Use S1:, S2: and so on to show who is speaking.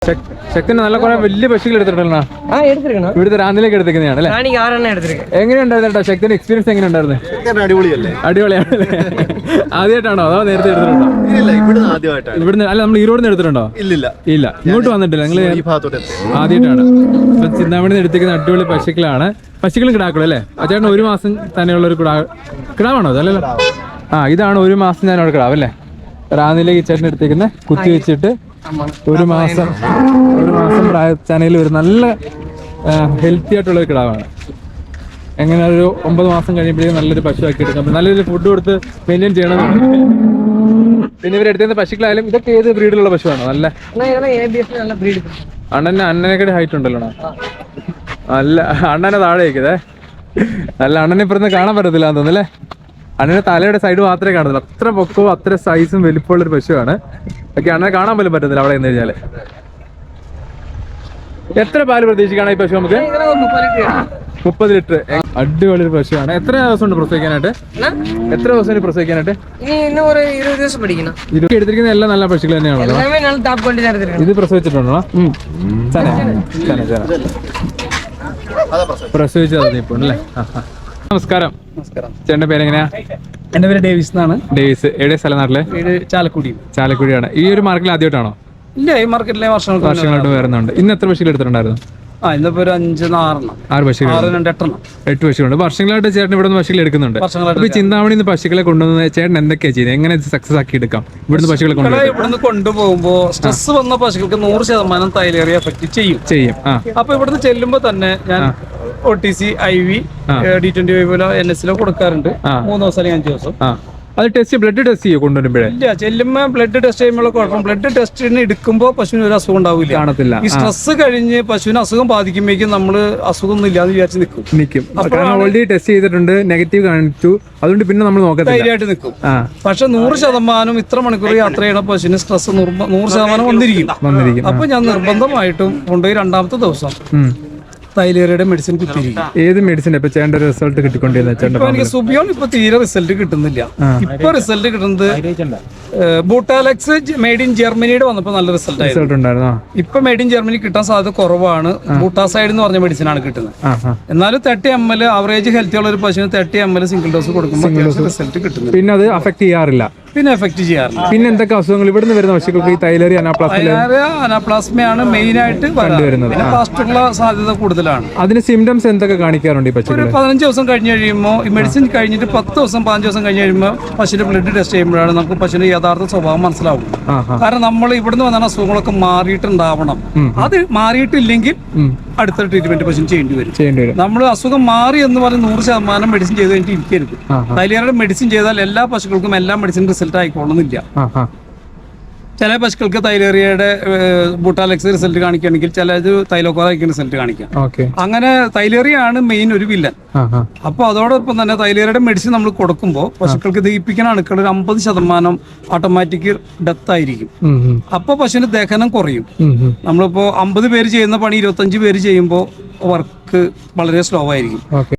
S1: ശക്തി നല്ല കുറെ വലിയ പശുക്കൾ എടുത്തിട്ടുണ്ടല്ലോ. ഇവിടുത്തെ റാന്നിലേക്ക് എടുത്തിരിക്കുന്നതാണ് അല്ലേ? എങ്ങനെയുണ്ടായിരുന്നു ശക്തിന്റെ എക്സ്പീരിയൻസ്? എങ്ങനെയുണ്ടായിരുന്നു? അടിപൊളിയാണ്. ആദ്യമായിട്ടാണോ അതോ നേരത്തെ എടുത്തിട്ടുണ്ടോ? ഇവിടുന്ന് അല്ല, നമ്മൾ ഈറോഡിന്ന് എടുത്തിട്ടുണ്ടോ? ഇല്ല, ഇങ്ങോട്ട് വന്നിട്ടില്ല. നിങ്ങൾ ആദ്യമായിട്ടാണ്. ഇപ്പൊ ചിന്താമണി എടുത്തിരിക്കുന്ന അടിപൊളി പശുക്കളാണ്. പശുക്കളും കിടാക്കളും അല്ലേ? ചേട്ടൻ ഒരു മാസം തന്നെയുള്ള ഒരു കിടാവാണോ അതല്ലല്ലോ? ഇതാണ് ഒരു മാസം ഞാനവിടെ കിടാവ് അല്ലേ? റാന്നിലേക്ക് ചേട്ടൻ എടുത്തേക്കുന്ന കുത്തി വെച്ചിട്ട് ഒരു മാസം പ്രായച്ചാനയിൽ ഒരു നല്ല ഹെൽത്തി ആയിട്ടുള്ള ഒരു കിടാവാണ്. എങ്ങനെ ഒരു 9 മാസം കഴിയുമ്പോഴേക്കും നല്ലൊരു പശു ആക്കി എടുക്കാം. നല്ലൊരു ഫുഡ് കൊടുത്ത് മെയിൻറ്റെയിൻ ചെയ്യണമെന്നുണ്ട്. പിന്നെ ഇവരെടുത്തുന്ന പശുക്കളായാലും ഇതൊക്കെ ഏത് ബ്രീഡിലുള്ള പശുവാണോ? നല്ല അണ്ണനെക്കാട്ടി ഹൈറ്റ് ഉണ്ടല്ലോ. നല്ല അണ്ണനെ താഴെ വയ്ക്കുന്നേ. നല്ല അണ്ണനെ ഇപ്പുറത്ത് കാണാൻ പറ്റത്തില്ല എന്ന് തോന്നുന്നല്ലേ? അണ്ണന്റെ തലയുടെ സൈഡ് മാത്രമേ കാണുന്നില്ല. അത്ര പൊക്കവും അത്ര സൈസും വലിപ്പമുള്ളൊരു പശുവാണ്. ഒക്കെ അണ്ണനെ കാണാൻ പോലും പറ്റത്തില്ല അവിടെ നിന്ന് കഴിഞ്ഞാല്. എത്ര പാല് പ്രതീക്ഷിക്കാണ് ഈ പശു? നമുക്ക് 30 ലിറ്റർ. അടിപൊളി ഒരു പശുവാണ്. എത്ര ദിവസം ഉണ്ട് പ്രസവിക്കാനായിട്ട്? എത്ര ദിവസം പ്രസവിക്കാനായിട്ട്? എടുത്തിരിക്കുന്ന എല്ലാം നല്ല പശുക്കൾ തന്നെയാണല്ലോ. ഇത് പ്രസവിച്ചിട്ടുണ്ടോ? പ്രസവിച്ചത് ഇപ്പൊ അല്ലേ? നമസ്കാരം. ചേട്ടന്റെ പേരെങ്ങനെയാ?
S2: എന്റെ പേര് ഡേവിസ് എന്നാണ്.
S1: ഡേവിസ്. എവിടെ സ്ഥലം? നാട്ടിലെ ചാലക്കുടിയാണ്. ഈ ഒരു മാർക്കറ്റിൽ ആദ്യമായിട്ടാണോ?
S2: ഇല്ല, ഈ മാർക്കറ്റിലെ
S1: വർഷങ്ങളായിട്ട് വരുന്നുണ്ട്. ഇന്ന് എത്ര പശുക്കൾ എടുത്തിട്ടുണ്ടായിരുന്നു?
S2: ഇന്നിപ്പോ ഒരു 6
S1: പശുക്കൾ, 8 പശുക്കളുണ്ട്. വർഷങ്ങളായിട്ട് ചേട്ടൻ ഇവിടെ നിന്ന് പശുക്കൾ എടുക്കുന്നുണ്ട്. അപ്പൊ ചിന്താമണി പശുക്കളെ കൊണ്ടുവന്ന് ചേട്ടൻ എന്തൊക്കെയാ ചെയ്യുന്നത്? എങ്ങനെ സക്സസ് ആക്കി എടുക്കാം ഇവിടുന്ന് പശുക്കളെ
S2: ഇവിടുന്ന് കൊണ്ടുപോകുമ്പോ സ്ട്രെസ് വന്ന പശുക്കൾക്ക് 100% തൈലേറിയ എഫക്ട് ചെയ്യും. അപ്പൊ ഇവിടുന്ന് ചെല്ലുമ്പോ തന്നെ ഞാൻ OTC, IV, D25 NS കൊടുക്കാറുണ്ട്. 3 ദിവസം അല്ലെങ്കിൽ 5 ദിവസം.
S1: അത് ബ്ലഡ് ടെസ്റ്റ് ചെയ്യോ കൊണ്ടുവരുമ്പോഴേ?
S2: ഇല്ല, ചെല്ലുമ്പോ ബ്ലഡ് ടെസ്റ്റ് ചെയ്യുമ്പോൾ കുഴപ്പം. ബ്ലഡ് ടെസ്റ്റിന് എടുക്കുമ്പോ പശുവിന് ഒരു അസുഖം ഉണ്ടാവില്ല,
S1: കാണത്തില്ല.
S2: ഈ സ്ട്രെസ് കഴിഞ്ഞ് പശുവിന് അസുഖം ബാധിക്കുമ്പോഴേക്കും നമ്മള് അസുഖം ഒന്നും ഇല്ലാന്ന് വിചാരിച്ച് നിൽക്കും.
S1: ഓൾറെഡി ടെസ്റ്റ് ചെയ്തിട്ടുണ്ട്, നെഗറ്റീവ് കാണിച്ചു, അതുകൊണ്ട് പിന്നെ നമ്മൾ ധൈര്യമായിട്ട്
S2: നിൽക്കും. പക്ഷെ 100% ഇത്ര മണിക്കൂർ യാത്ര ചെയ്യണ പശുവിന് സ്ട്രെസ് 100% വന്നിരിക്കും. അപ്പൊ ഞാൻ നിർബന്ധമായിട്ടും കൊണ്ടുപോയി 2ാമത്തെ ദിവസം തൈലേറിയുടെ മെഡിസിൻ കുത്തിയിരിക്കും.
S1: ഏത് മെഡിസിൻ ഇപ്പൊ ചേട്ടന്റെ റിസൾട്ട് കിട്ടിക്കൊണ്ടിരുന്ന?
S2: എനിക്ക് സുബിയോൺ ഇപ്പൊ തീരെ റിസൾട്ട് കിട്ടുന്നില്ല. ഇപ്പൊ റിസൾട്ട് കിട്ടുന്നത് ബൂട്ടാലക്സ് മെയ്ഡ് ഇൻ ജർമ്മനിയുടെ വന്നപ്പോ നല്ല റിസൾട്ട് ഉണ്ടായിരുന്നു. ഇപ്പൊ മെയ്ഡ് ഇൻ ജർമ്മനി കിട്ടാൻ സാധ്യത കുറവാണ്. ബൂട്ടാസൈഡ് എന്ന് പറഞ്ഞ മെഡിസിൻ ആണ് കിട്ടുന്നത്. എന്നാലും 30 ml ആവറേജ് ഹെൽത്തി ഉള്ള ഒരു പശുവിന് 30 ml സിംഗിൾ ഡോസ് കൊടുക്കുമ്പോൾ റിസൾട്ട് കിട്ടുന്നു.
S1: പിന്നെ അത് അഫക്ട് ചെയ്യാറില്ല.
S2: പിന്നെ
S1: എന്തൊക്കെ അസുഖങ്ങൾ ഇവിടുന്ന് വരുന്ന പശുക്കൾക്ക്? ഈ തൈലേറി
S2: അനാപ്ലാസ്മയാണ് മെയിൻ ആയിട്ട് വരുന്നത്. ഫാസ്റ്റുള്ള സാധ്യത കൂടുതലാണ്.
S1: അതിന് സിംറ്റംസ് എന്തൊക്കെ കാണിക്കാറുണ്ട് ഈ പശു?
S2: ഒരു 15 ദിവസം കഴിഞ്ഞ് കഴിയുമ്പോൾ ഈ മെഡിസിൻ കഴിഞ്ഞിട്ട് 10 ദിവസം 15 ദിവസം കഴിഞ്ഞ് കഴിയുമ്പോൾ പശുവിന്റെ ബ്ലഡ് ടെസ്റ്റ് ചെയ്യുമ്പോഴാണ് നമുക്ക് പശുവിന്റെ യഥാർത്ഥ സ്വഭാവം മനസ്സിലാവും. കാരണം നമ്മൾ ഇവിടുന്ന് വന്ന അസുഖങ്ങളൊക്കെ മാറിയിട്ടുണ്ടാവണം. അത് മാറിയിട്ടില്ലെങ്കിൽ അടുത്ത ട്രീറ്റ്മെന്റ് പശുവിന് ചെയ്യേണ്ടി വരും. നമ്മൾ അസുഖം മാറി എന്ന് പറഞ്ഞ് 100% മെഡിസിൻ ചെയ്ത് കഴിഞ്ഞിട്ട് ഇരിക്കരുത്. തൈലേറിയുടെ മെഡിസിൻ ചെയ്താൽ എല്ലാ പശുക്കൾക്കും എല്ലാ മെഡിസിൻ റിസൾട്ട് ആയിക്കോളുന്നില്ല. ചില പശുക്കൾക്ക് തൈലേറിയയുടെ ബൂട്ടാലക്സ് റിസൾട്ട് കാണിക്കുകയാണെങ്കിൽ ചിലത് തൈലോക്കോറയ്ക്ക് റിസൾട്ട് കാണിക്കാം. അങ്ങനെ തൈലേറിയാണ് മെയിൻ ഒരു വില്ലൻ. അപ്പൊ അതോടൊപ്പം തന്നെ തൈലേറിയയുടെ മെഡിസിൻ നമ്മൾ കൊടുക്കുമ്പോൾ പശുക്കൾക്ക് ദഹിപ്പിക്കുന്ന അണുക്കൾ ഒരു 50% ഓട്ടോമാറ്റിക് ഡെത്ത് ആയിരിക്കും. അപ്പൊ പശുവിന് ദഹനം കുറയും. നമ്മളിപ്പോ 50 പേര് ചെയ്യുന്ന പണി 25 പേര് ചെയ്യുമ്പോൾ വർക്ക് വളരെ സ്ലോ ആയിരിക്കും.